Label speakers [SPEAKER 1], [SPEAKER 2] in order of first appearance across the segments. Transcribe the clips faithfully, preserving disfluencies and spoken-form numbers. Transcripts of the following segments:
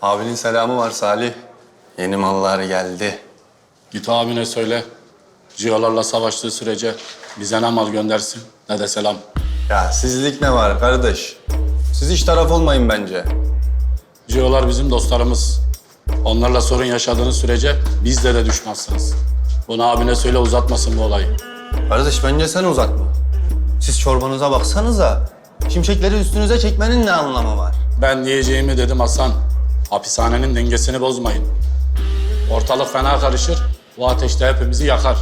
[SPEAKER 1] Abinin selamı var Salih. Yeni mallar geldi.
[SPEAKER 2] Git abine söyle. Cihalarla savaştığı sürece bize ne mal göndersin ne de selam.
[SPEAKER 1] Ya sizlik ne var kardeş? Siz hiç taraf olmayın bence.
[SPEAKER 2] Cihalar bizim dostlarımız. Onlarla sorun yaşadığınız sürece bizle de düşmezsiniz. Bunu abine söyle, uzatmasın bu olayı.
[SPEAKER 1] Kardeş bence sen uzatma. Siz çorbanıza baksanıza. Şimşekleri üstünüze çekmenin ne anlamı var?
[SPEAKER 2] Ben diyeceğimi dedim Hasan. Hapishanenin dengesini bozmayın. Ortalık fena karışır. Bu ateşte hepimizi yakar.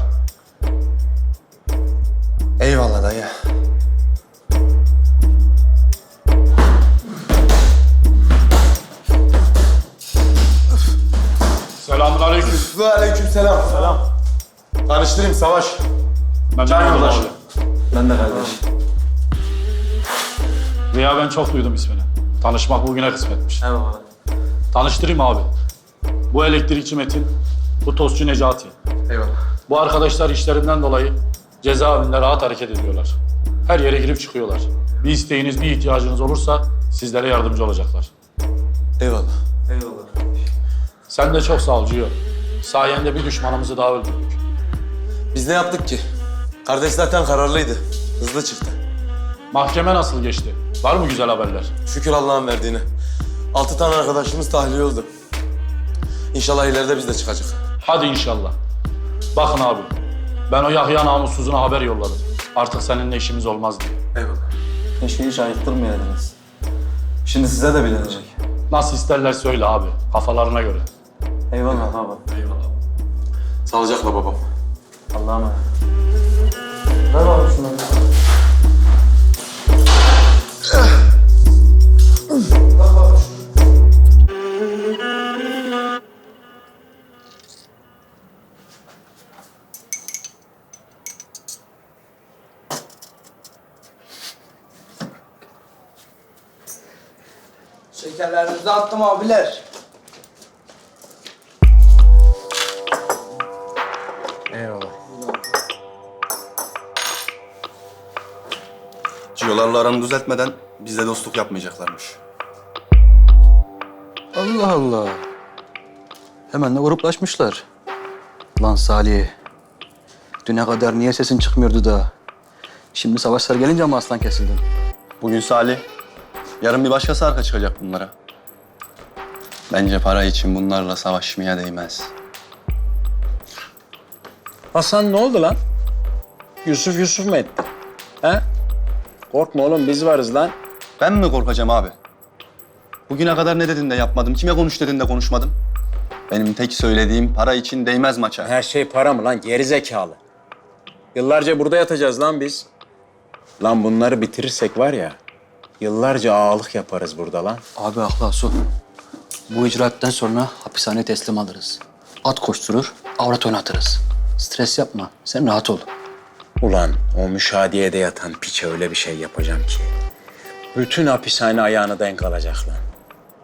[SPEAKER 1] Eyvallah dayı.
[SPEAKER 2] Selamünaleyküm.
[SPEAKER 3] Ve aleykümselam. Selam. Tanıştırayım Savaş.
[SPEAKER 2] Ben
[SPEAKER 3] Can
[SPEAKER 2] memnun
[SPEAKER 3] yoldaşı.
[SPEAKER 2] oldum.
[SPEAKER 3] Ben de kardeş.
[SPEAKER 2] Ziya, ben çok duydum ismini. Tanışmak bugüne kısmetmiş.
[SPEAKER 3] Eyvallah.
[SPEAKER 2] Tanıştırayım abi. Bu elektrikçi Metin, bu tostçu Necati.
[SPEAKER 3] Eyvallah.
[SPEAKER 2] Bu arkadaşlar işlerinden dolayı cezaevinde rahat hareket ediyorlar. Her yere girip çıkıyorlar. Bir isteğiniz, bir ihtiyacınız olursa sizlere yardımcı olacaklar.
[SPEAKER 1] Eyvallah.
[SPEAKER 3] Eyvallah.
[SPEAKER 2] Sen de çok sağ ol Ciyo. Sayende bir düşmanımızı daha öldürdük.
[SPEAKER 3] Biz ne yaptık ki? Kardeş zaten kararlıydı. Hızlı çıktı.
[SPEAKER 2] Mahkeme nasıl geçti? Var mı güzel haberler?
[SPEAKER 3] Şükür Allah'ın verdiğine. Altı tane arkadaşımız tahliye oldu. İnşallah ileride biz de çıkacak.
[SPEAKER 2] Hadi inşallah. Bakın abi, ben o Yahya namussuzuna haber yolladım. Artık seninle işimiz olmaz diye.
[SPEAKER 3] Eyvallah.
[SPEAKER 4] Keşke hiç ayıktırmayaydınız. Şimdi size de bilinecek.
[SPEAKER 2] Nasıl isterler söyle abi, kafalarına göre.
[SPEAKER 4] Eyvallah baba.
[SPEAKER 3] Sağlıcakla babam.
[SPEAKER 4] Allah'a emanet. Ver baba şunları.
[SPEAKER 5] Şekerlerinizi attım abiler.
[SPEAKER 1] Ciyolarla aranı düzeltmeden bizle dostluk yapmayacaklarmış.
[SPEAKER 6] Allah Allah. Hemen de gruplaşmışlar. Lan Salih. Düne kadar niye sesin çıkmıyordu da? Şimdi savaşlar gelince mi aslan kesildin?
[SPEAKER 1] Bugün Salih, yarın bir başkası arka çıkacak bunlara. Bence para için bunlarla savaşmaya değmez.
[SPEAKER 7] Hasan ne oldu lan? Yusuf Yusuf mu etti? He? Korkma oğlum, biz varız lan.
[SPEAKER 1] Ben mi korkacağım abi? Bugüne kadar ne dedin de yapmadım, kime konuş dedin de konuşmadım. Benim tek söylediğim para için değmez maça.
[SPEAKER 7] Her şey para mı lan? Geri zekalı. Yıllarca burada yatacağız lan biz. Lan bunları bitirirsek var ya, yıllarca ağalık yaparız burada lan.
[SPEAKER 6] Abi akla su. Bu icraatten sonra hapishaneye teslim alırız. At koşturur, avrat oynatırız. Stres yapma, sen rahat ol.
[SPEAKER 7] Ulan o müşahediyede yatan piçe öyle bir şey yapacağım ki. Bütün hapishane ayağını denk alacak lan.